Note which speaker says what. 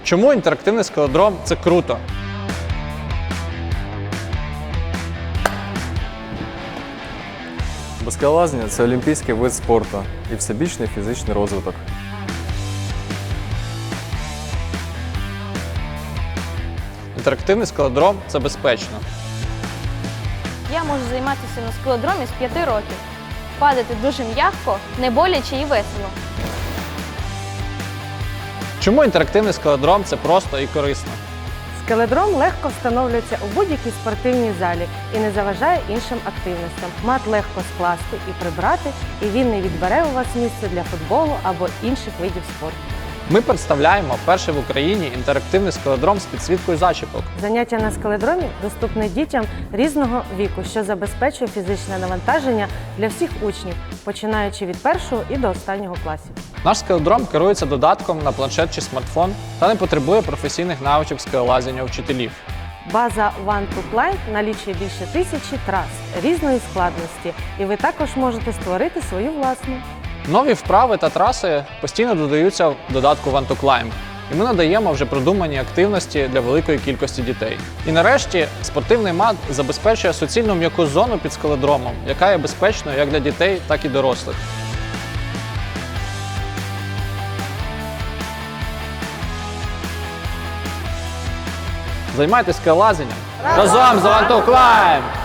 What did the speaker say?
Speaker 1: Чому інтерактивний скалодром – це круто?
Speaker 2: Бо скалолазіння – це олімпійський вид спорту і всебічний фізичний розвиток.
Speaker 1: Інтерактивний скалодром – це безпечно.
Speaker 3: Я можу займатися на скалодромі з 5 років. Падати дуже м'яко, не боляче і весело.
Speaker 1: Чому інтерактивний скалодром – це просто і корисно?
Speaker 4: Скалодром легко встановлюється у будь-якій спортивній залі і не заважає іншим активностям. Мат легко скласти і прибрати, і він не відбере у вас місце для футболу або інших видів спорту.
Speaker 1: Ми представляємо перший в Україні інтерактивний скалодром з підсвіткою зачіпок.
Speaker 4: Заняття на скалодромі доступне дітям різного віку, що забезпечує фізичне навантаження для всіх учнів, починаючи від 1-го і до останнього класів.
Speaker 1: Наш скалодром керується додатком на планшет чи смартфон та не потребує професійних навичок скалолазіння вчителів.
Speaker 4: База One to Climb налічує більше 1000 трас різної складності, і ви також можете створити свою власну.
Speaker 1: Нові вправи та траси постійно додаються в додатку One to Climb, і ми надаємо вже продумані активності для великої кількості дітей. І нарешті спортивний мат забезпечує суцільну м'яку зону під скалодромом, яка є безпечною як для дітей, так і дорослих. Займайтесь скалолазінням разом з One to Climb!